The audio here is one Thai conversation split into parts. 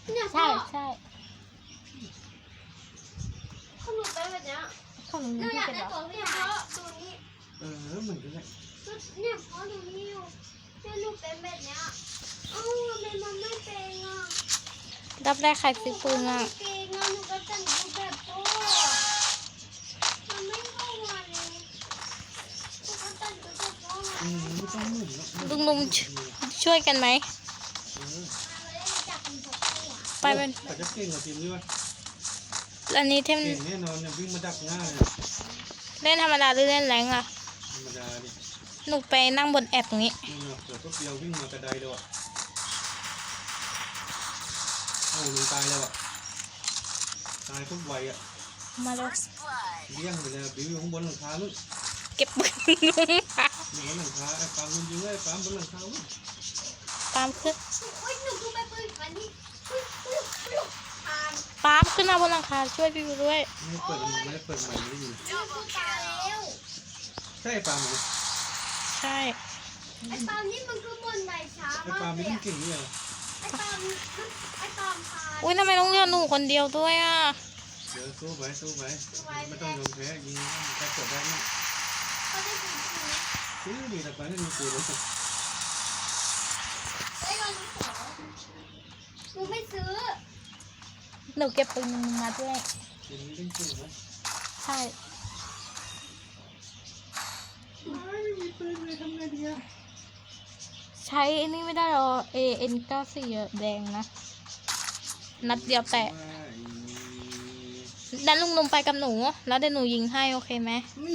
เนี่ยใช่ใช่เขาหนูไปแบบเนี้ยของหนูหนูที่อยากเป็นได้เหรอตัวพี่เพราะตัวนี้เหมือนกันเลยเนี่ยเพราะหนูนี่อยู่เนี่ยหนูเป็นแบบเนี้ยเอ้าทำไมมันไม่เป็นอ่ะรับได้ใครซื้อปืนอ่ะเก่งอ่ะหนูก็แต่งรูปแบบโต้มันไม่เข้ามาเลยหนูก็แต่งรูปแบบโต้ไม่ต้องหมุนลุงลุงช่วยกันไหม ไปเป็นเขาจะเก่งกว่าทีมนี้วะอันนี้เทมเก่งแน่นอนเนี่ยวิ่งมาดักหน้าเลยเล่นธรรมดาหรือเล่นแรงอ่ะธรรมดาดิหนูไปนั่งบนแอปตรงนี้นี่เนาะเดี๋ยวก็เดียววิ่งมากระไดเลยว่ะโอ้ลุงตายแล้วอ่ะตายทุกวัยอ่ะมาเลยเลี้ยงไปเลยบิวอยู่ข้างบนหลังคาลูกเก็บปืนลุงค่ะอยู่บนหลังคาไอ้ปาล์มคุณยิงเลยปาล์มบนหลังคาลูกปาล์มขึ้นโอ้ยหนูดูไปปืนมันนี่ผ่านปาล์มขึ้นมาบนหลังคาช่วยพี่วิวด้วยไม่ได้เปิดไม่ได้เปิดใหม่ไม่ได้ยินหนูดูตายแล้วใช่ปาล์มไหมใช่ไอ้ปามนี่มันก็บนใบช้าไอ้มากปาล์มเลไม่ยต้องอะเก่งเนี่ยไอ้ปามไอ้ปามพาอุ้ยทำไมต้องเลือกหนูคนเดียวด้วยอ่ะเดี๋ยวสู้ไปไม่ต้องยอมแพ้ยิงแค่กดได้ไหมเขาได้ปืนจริงไหมซื้อดีแต่ไปไม่มีปืนเลยไอ้เราไม่ขอหนูไม่ซื้อหนูเก็บปืนมาด้วยปืนนี้เล่นปืนไหมใช่ไม่มีปืนเลยทำไงดีอะใช้อันนี้ไม่ได้หรอ AN94 แดงนะ นัดเดียวแตะดันลุงนมไปกับหนู แล้วเดี๋ยวหนูยิงให้โอเคไหมนี่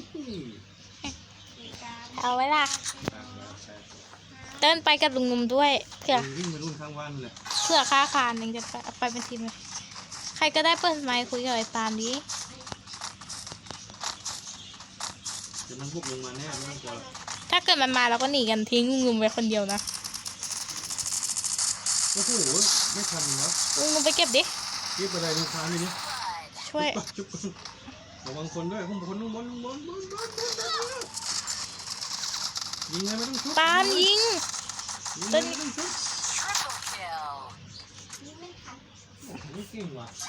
เอาไว้ล่ะ เต้นไปกับลุงนมด้วยเผื่อวิ่งไปรุ่นข้างวันเลยค่าคานหนึ่งจะไปเป็นทีมเลยใครก็ได้เปิดไมค์คุยกับไอ้ปาล์มดิเดี๋ยวมันบุกลงมาแน่ไม่ต้องกลัวถ้าเกิดมันมาเราก็หนีกันทิ้งลุงนมไว้คนเดียวนะโอ้โหไม่ทันเนาะลุงนมไปเก็บดิรีบไปเลยลูกค้านี่นี่ช่วยจุ๊บระวังคนด้วยข้างบนยิงเลยไม่ต้องชุบปาล์มยิงไม่ต้องชุบนี่ไม่ทันไม่เก่งว่ะ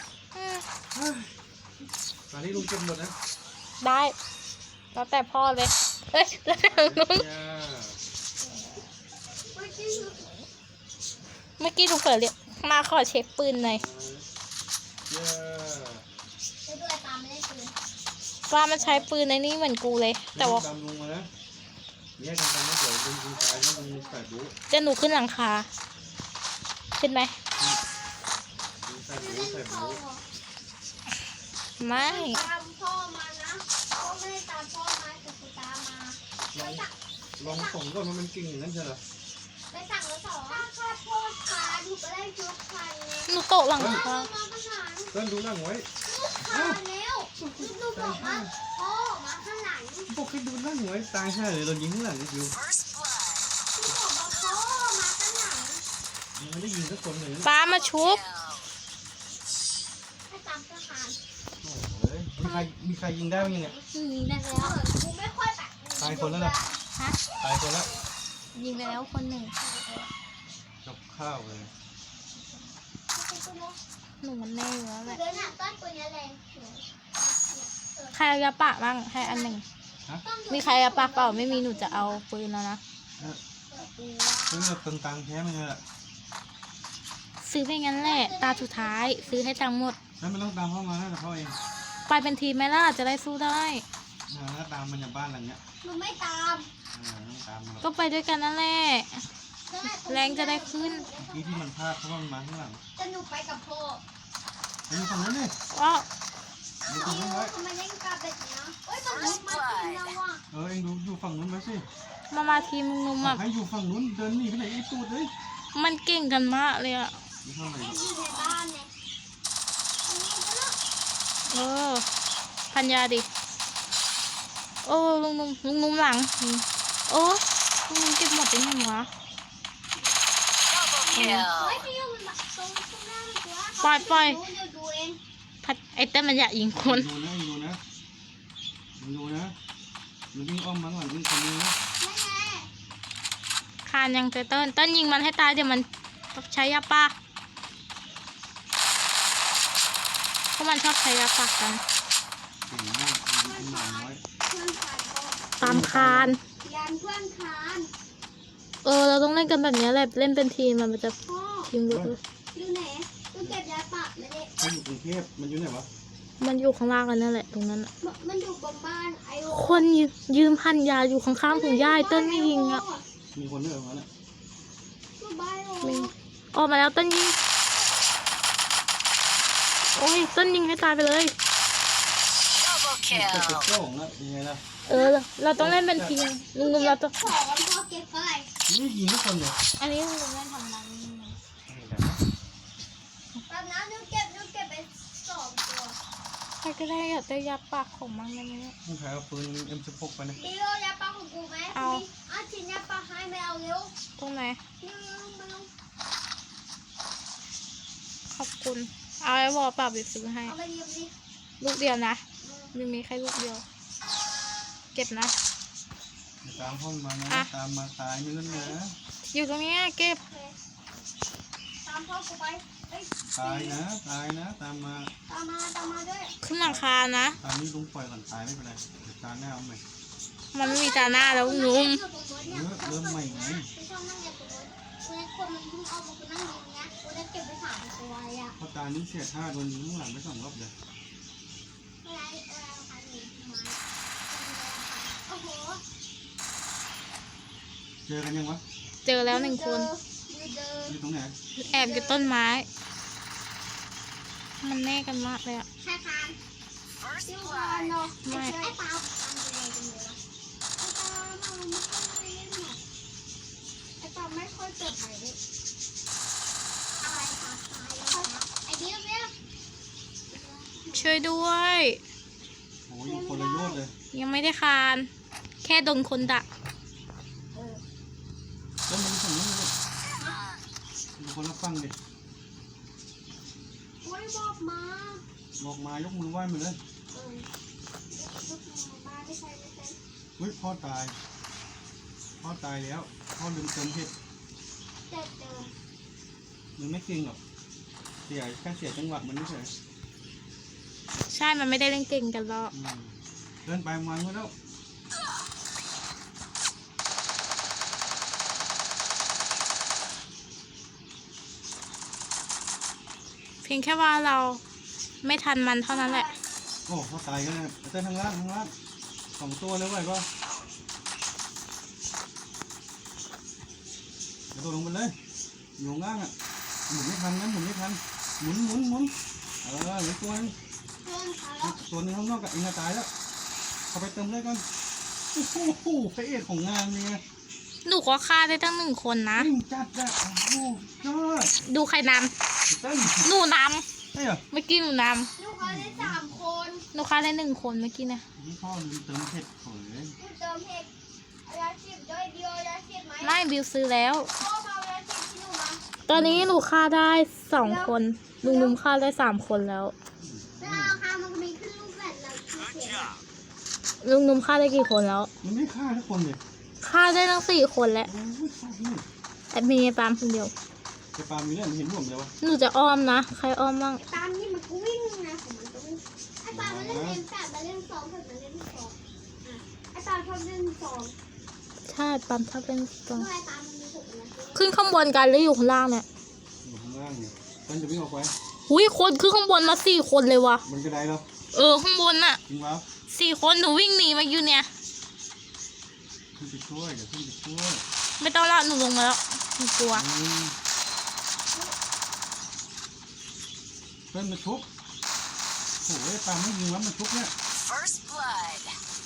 ตอนนี้ลุงเก็บหมดนะได้แล้วแต่พ่อเลยเฮ้ยแล้วแต่ลุง เมื่อกี้ลุงเปิดเรียกมาขอเช็คปืนหน่อยไปด้วยปามไม่ได้ปืนว่ามันใช้ปืนในนี้เหมือนกูเลย แต่ว่าตามลุงมานะแยกกันไปนะเดี๋ยวลุงยิงตายแล้วลุงใส่บู๊จะหนูขึ้นหลังคาขึ้นไหมใส่บู๊ใส่บู๊ไม่ตามพ่อมานะพ่อไม่ได้ตามพ่อมาแต่กูตามมาลองส่งก่อนว่ามันเก่งอย่างนั้นใช่เหรอไปสั่งแล้วสองถ้าพ่อพาหนูก็ได้ชุดพันไงหนูโตะหลังคามาประสานเต้นดูนั่งไว้ลูกพาแล้วลูกบอกว่าพ่อมาข้างหลังพวกให้ดูนั่งไว้ตายแค่เลยโดนยิงข้างหลังอยู่ลูกบอกว่าพ่อมาข้างหลังยังไม่ได้ยิงสักคนเลยป้ามาชุบให้ตามทหารโอ้ยมีใครยิงได้บ้างยังเนี่ยยิงได้แล้วกูไม่ค่อยแบบตายคนแล้วนะฮะตายคนแล้วยิงไปแล้วคนหนึ่งกับข้าวเลยหนูมันแน่อยู่แล้วแหละเดินหน้าต้นตัวนี้แรงใครเอายาปะบ้างให้อันหนึ่งฮะมีใครเอาปะเปล่าไม่มีหนูจะเอาปืนแล้วนะซื้อแบบตังค์แท้มันเลยแหละซื้อไปงั้นแหละตาสุดท้ายซื้อให้ตังค์หมดแล้วมันต้องตามเข้ามานะแต่เขาเองไปเป็นทีมไหมล่ะจะได้สู้ได้แล้วตามมันจากบ้านหลังเนี้ยหนูไม่ตามต้องตามมันก็ไปด้วยกันนั่นแหละแรงจะได้ขึ้นที่มันพลาดเพราะว่ามันมาข้างหลังจะหนูไปกับพ่อดูฝั่งนั้นเลยอ้อดูฝั่งนั้นไว้ทำไมเล่นกับแบบนี้เฮ้ยมันลุกมากินแล้วอ่ะเองดูอยู่ฝั่งนู้นไหมสิมาทีมนุ่มๆอ่ะให้อยู่ฝั่งนู้นเดินหนีไปไหนไอ้ตูดเลย มันเก่งกันมากเลยอ่ะอยู่ข้างไหนเล่นอยู่ในบ้านเนี่ยอันนี้ก็เลิกเออพันยาดิโอ้ลุงนุ่มหลังโอ้ลุงนุ่มเก็บหมดเป็นยังวะเฮ้ยพี่ยงมันแบบตรงหน้ามันตัวปล่อยดูเองพัดไอ้เต้นมันอยากยิงคนดูนะมันวิ่งอ้อมมาหลังวิ่งคนนี้นะไม่ไงคานยังเต้นยิงมันให้ตายเดี๋ยวมันใช้ยาป้าราะมันชอบใช้ยาปักกันเก่งมากมีหมาน้อยเพื่อนคานก็ตามคานยันเพื่อนคานเราต้องเล่นกันแบบนี้แหละเล่นเป็นทีมมันจะพ่อทีมเยอะเลยอยู่ไหนกูเก็บยาปากไม่ได้ถ้าอยู่กรุงเทพมันอยู่ไหนวะมันอยู่ข้างล่างกันนั่นแหละตรงนั้นอะมันอยู่บนบ้านไอโอคนยืมพันยาอยู่ข้างๆถุงย่ายเต้นไม่ยิงอ่ะมีคนด้วยเหรอวะเนี่ยอยู่บ้านไอโอมี ออกมาแล้วเต้นยิง โอ้ยเต้นยิงให้ตายไปเลยแต่กระโจ้งอะยังไงล่ะเราต้องเล่นเป็นทีมลุงเราต้องขอพ่อเก็บไปนี่ยิงทุกคนเลยอันนี้ลุงเล่นทำนั้นแบบนั้นหนูเก็บไป2 ตัวใครก็ได้อยากได้ยาปากของมันอะไรเงี้ยต้องใช้เอาปืน M16 ไปนะดิโอยาปากของกูไหมเอาเอาชิ้นยาปากให้ไม่เอาเร็วตรงไหนนี่มาลงขอบคุณ เอาไอ้วอลปรับไปซื้อให้เอาไปยืมดิลูกเดียวนะมีแค่ลูกเดียว เก็บนะตามห้องมานะอ่ะตามมาตายไม่เล่นนะอยู่ตรงเนี้ยเก็บโอเคตามพ่อกูไปเอ้ยตายนะตายนะตามมาตามมาด้วยขึ้นหลังคานะตามนี้ลุงปล่อยก่อนตายไม่เป็นไรเดี๋ยวตาหน้าเอาใหม่มันไม่มีตาหน้าแล้วลุงเริ่มใหม่ไงไม่ชอบนั่งอย่างตัวคนมันเพิ่งเอามากูนั่งอย่างเงี้ยกูได้เก็บไป3 ตัวอ่ะเพราะตานี้เสียท่าโดนยิงข้างหลังไป2 รอบเลยอะไรพันหนึ่งไม้โอ้โหเจอกันยังวะเจอแล้ว1 คนเจออยู่ตรงไหนแอบอยู่ต้นไม้ มันแน่กันมากเลยอะใครคานซิวคานเนาะไอ้ปลาไอ้ปลาไม่ค่อยเกิดใหม่เลยอะไรปลาตายแล้วไอ้เบี้ยวช่วยด้วยโอ้ยอยู่คนละโยชน์เลยยังไม่ได้คาน แค่โดนคนดักแล้วมันฝั่งนู้นเลยอยู่คนละฝั่งดิโอ้ยบอกมาบอกมายกมือไหว้มาเลยลูกมาไม่ใช่เฮ้ยพ่อตายแล้วพ่อลืมเติมเห็ดเจ็บเจอมันไม่เก่งหรอกแค่เสียจังหวะมันไม่เฉยใช่ มันไม่ได้เล่นเก่งกันหรอกเดินไปวางไว้แล้วเพียงแค่ว่าเราไม่ทันมันเท่านั้นแหละโอ้พ่อตายกันเลยเต้นทางล่าง2 ตัวแล้วไหวป่ะเดี๋ยวตัวลงไปเลยอยู่ข้างล่างอ่ะหมุนไม่ทันนะหมุนหมุนเหลือตัวนึงเพื่อนเขาแล้วตัวนึงข้างนอกกับเองตายแล้วเข้าไปเติมเลยก่อนโอ้โหพระเอกของงานเลยหนูก็ฆ่าได้ตั้ง1 คนนะวิ่งจัดอะโอ้โหยอดดูใครนเต้นำหนูนใช่เหรอำเมื่อกี้หนูนลูกเขาได้3 คนำหนูฆ่าได้1 คนเมื่อกี้นะนี่พ่อลืมเติมเผ็ดเผยกูเติมเห็ดยาฉีดด้วยเดียวยาฉีดไหมไม่บิวซื้อแล้วพ่อมาเอายาฉีดที่หนูมาตอนนี้หนูฆ่าได้2 คน ลุงฆ่าได้3 คนแล้วเวลาเราฆ่ามันก็มีขึ้นรูปแบบเราที่เขียนลุงฆ่าได้กี่คนแล้วมันไม่ฆ่าทุกคนเลยฆ่าได้ทั้ง4 คนแล้วโอ้ยฆ่าที่แต่มีไอ้ปาล์มคนเดียวไอ้ปาล์มมีเรื่องเห็นร่วมเลยวะหนูจะอ้อมนะ ใครอ้อมบ้างตามนี่มันก็วิ่งนะของมันก็วิ่งไอ้ปลามันเล่นเล่น8มาเล่น2ถึงมาเล่น2อ่ะไอ้ปลาชอบเล่น2 ใช่ปาล์มชอบเป็นตัวเมื่อไอ้ปลามันมี6นะขึ้นข้างบนกันหรืออยู่ข้างล่างเนี่ยอยู่ข้างล่างเนี่ยมันจะวิ่งออกไปหุยคนขึ้นข้างบนมา4 คนเลยวะมันกระไดแล้วข้างบนน่ะจริงวะ 4 คนหนูวิ่งหนีมาอยู่เนี่ยขึ้นไปช่วยเดี๋ยวขึ้นไปช่วยไม่ต้องละหนูลงมาแล้วหนูกลัวเพิ่มมาชุบโอ้ยปาล์มไม่ยิงแล้วมันชุบเนี่ย First blood.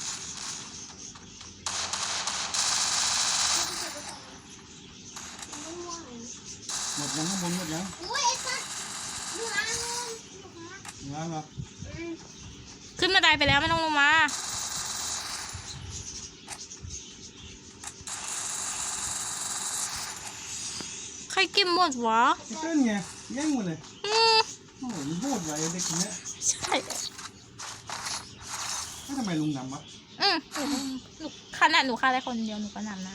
หมดยังข้างบนหมดยังอุ้ยไอ้สัตว์อยู่ร้านนู้นอยู่ข้างล่างยังเหรอขึ้นบันไดไปแล้วไม่ต้องลงมา ใครกินหมดวะไอ้เต้นไงแย่งหมดเลยอืมโอ้โหมันโหดไว้เด็กคนเนี้ยใช่ทำไมลุงนำวะหนูขนาดหนูฆ่าได้คนเดียวหนูก็นำนะ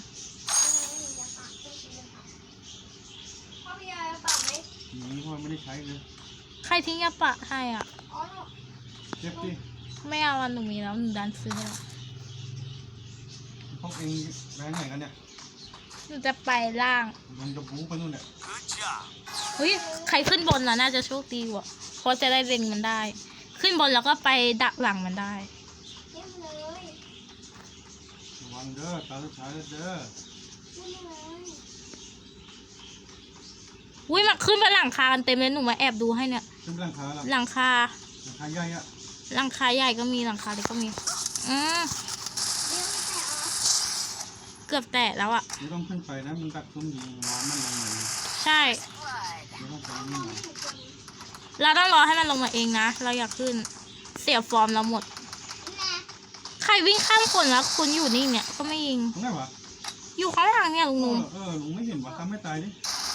พ่อพี่ยายปากไหมอย่างนี้พ่อไม่ได้ใช้เลยใครทิ้งยาปะให้อ่ะอ๋อเก็บดิไม่เอาอันหนูมีแล้วหนูดันซื้อให้แล้วพวกเองแรงไหนกันเนี่ยหนูจะไปล่างลงจะบู๊ไปนู่นเนี่ยเฮ้ยใครขึ้นบนน่ะน่าจะโชคดีว่ะเพราะจะได้เล็งมันได้ ขึ้นบนแล้วก็ไปดักหลังมันได้เต็มเลยระวังเด้อตาสุดท้ายแล้วเด้อเต็มเลยอุ้ยมันขึ้นไปหลังคากันเต็มเลยหนูมาแอบดูให้เนี่ยขึ้นไปหลังคาแล้วหลังคาหลังคาใหญ่อะหลังคาใหญ่ก็มีหลังคาเล็กก็มีอืมเดี๋ยวแต่อ๋อเกือบแตะแล้วอ่ะไม่ต้องขึ้นไปนะมันตัดซุ้มยิงร้อนมันลงเลยใช่ไม่ต้องไปนี่หน่อยเราต้องรอให้มันลงมาเองนะเราอยากขึ้นเสียฟอร์มเราหมดแม่ใครวิ่งข้ามคนแล้วคุณอยู่นี่เนี่ยก็ไม่ยิงตรงไหนวะอยู่ข้างหลังเนี่ยลุงเอนุ่มอลุงไม่เห็นวะทำไม่ตายดิ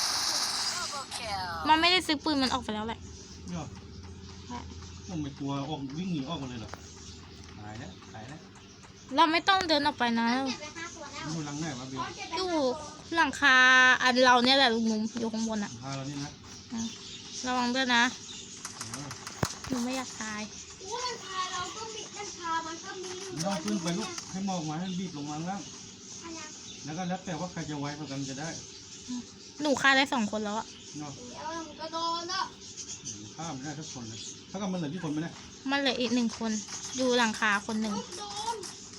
มันไม่ได้ซื้อปืนมันออกไปแล้วแหละเนาะผมไม่กลัวออกวิ่งหนีออกมาเลยเหรอตายแล้วตายแล้วเราไม่ต้องเดินออกไปนะเก็บไป5 ตัวแล้วอยู่หลังไหนวะเบลอ๋อเก็บไปอยู่ 5 ตัวหลังคาอันเราเนี่ยแหละลุงนุ่มอยู่ข้างบนอะพาเรานี่นะระวังด้วยนะเออหนูไม่อยากตายอู้มันพาเราก็มีมันพามันก็มีไม่ต้องขึ้นไปลูกให้มองมาให้บีบลงมาล่างอันนั้นแล้วก็แล้วแต่ว่าใครจะไวกว่ากันจะได้หนูฆ่าได้2 คนแล้วอะเนาะเดี๋ยวมันก็โดนแล้วฆ่าไม่ได้ทุกคนเลยถ้ากับมันเหลือที่คนไหมเนี่ยมันเหลืออีก1 คนอยู่หลังคาคนหนึ่งโดน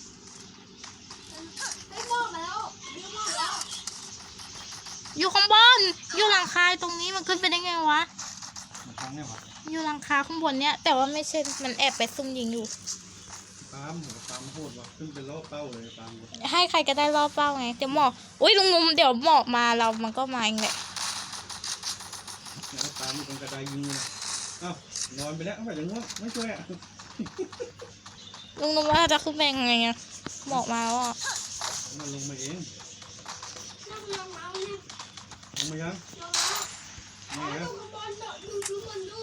ไม่บอกแล้วไม่บอกแล้วอยู่ข้างบนอยู่หลังคาตรงนี้มันขึ้นไปได้ไงวะมาทางเนี่ยวะอยู่หลังคาข้างบนเนี่ยแต่ว่าไม่ใช่มันแอบไปซุ่มยิงอยู่ตามหัวตามโหดวะขึ้นเป็นล่อเป้าเลยตามหมดให้ใครก็ได้รอบเป้าไงเดี๋ยวหมอกอุ้ยลุงนุ่มเดี๋ยวหมอกมาเรามันก็มาเองแหละแล้วตามอยู่ตรงกระไดยิงเลยอ้าวนอนไปแล้วไม่จะง่วงไม่ช่วยอ่ะลุงนุ่มว่าจะขึ้นไปยังไงอะหมอกมาแล้วอะมันลงมาเองนั่งลงเอาเนี่ยลงมายังลงแล้วไม่ลแล้วงบอลดูมันดู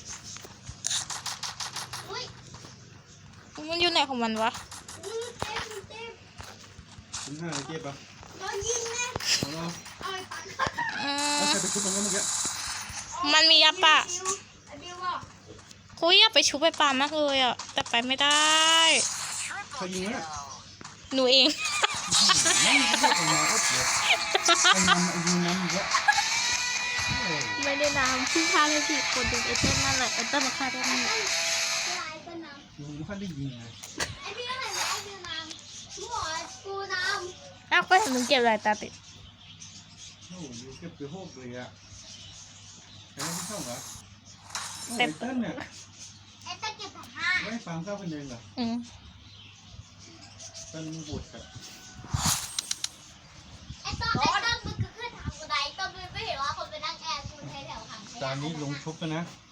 อุ้ยมันอยู่ไหนของมันวะอุ้ยเต็มถึง5เลยเจ็บปะโดนยิงแน่เอาเนาะเอาไอ้ปันแล้วใครไปชุบมันก็เมื่อกี้มันมียาปะไอ้บิวบอกคุยอยากไปชุบไปปามากเลยอะแต่ไปไม่ได้ใครยิงวะเนี่ยหนูเองไม่ยิงก็ออกมาก็เจ็บไอ้ยิงน้ำอีกแล้วโอ้ไม่ได้น้ำพี่ฆ่าเลยสิคนดึงไอเต้นนั่นแหละไอเต้นมาฆ่าได้ไหมลายเป็นน้ำลุงไม่ค่อยได้ยิงไงไอ้บิวอะไรนะไอ้บิวน้ำกูบอกกูน้อ้าวก็เห็นมึงเก็บอะไรตาติดโอ้ยเก็บไปโหกเลยอ่ะใครไม่เข้าเหรอโอ้ยเต้นเนี่ยำไอ้ตะเกียบผ้าไม่ฟังเข้ากันเองเหรออืมเต้นบวชกับไอ้ต้นมันคือขึ้นทางกูได้ต้นไม่เห็นว่าคนไปนั่งแอบกูแถวๆทางจานนี้ลงชุบกันนะไ